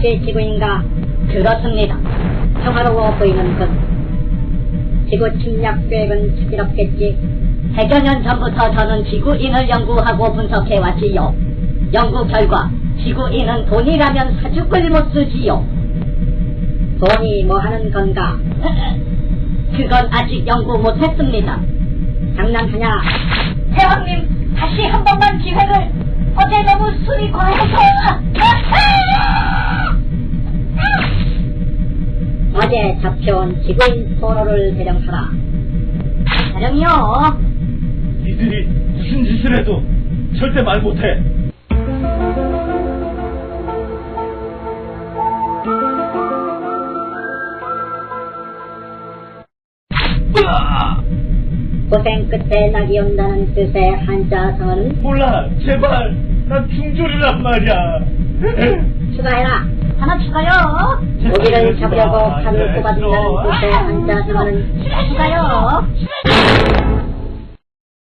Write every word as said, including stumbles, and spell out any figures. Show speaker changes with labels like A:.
A: 그것이 지구인가? 그렇습니다. 평화로워 보이는 것. 지구 침략 계획은 슬기롭겠지. 백여 년 전부터 저는 지구인을 연구하고 분석해왔지요. 연구 결과 지구인은 돈이라면 사죽을 못 쓰지요. 돈이 뭐하는 건가? 그건 아직 연구 못했습니다. 장난하냐? 대왕님, 다시 한 번만 기회를. 어제 너무 술이 과해서. 어제 잡혀온 지구인 포로를 대령하라. 대령이요?
B: 이들이 무슨 짓을 해도 절대 말 못해.
A: 고생 끝에 낙이 온다는 뜻의 한자성어는?
B: 몰라, 제발. 난 중졸이란 말이야.
A: 추가해라. 하나 추가요. 고기를 잡으려고 칼을 꼽아준다는 뜻의 한자성어는? 추가요.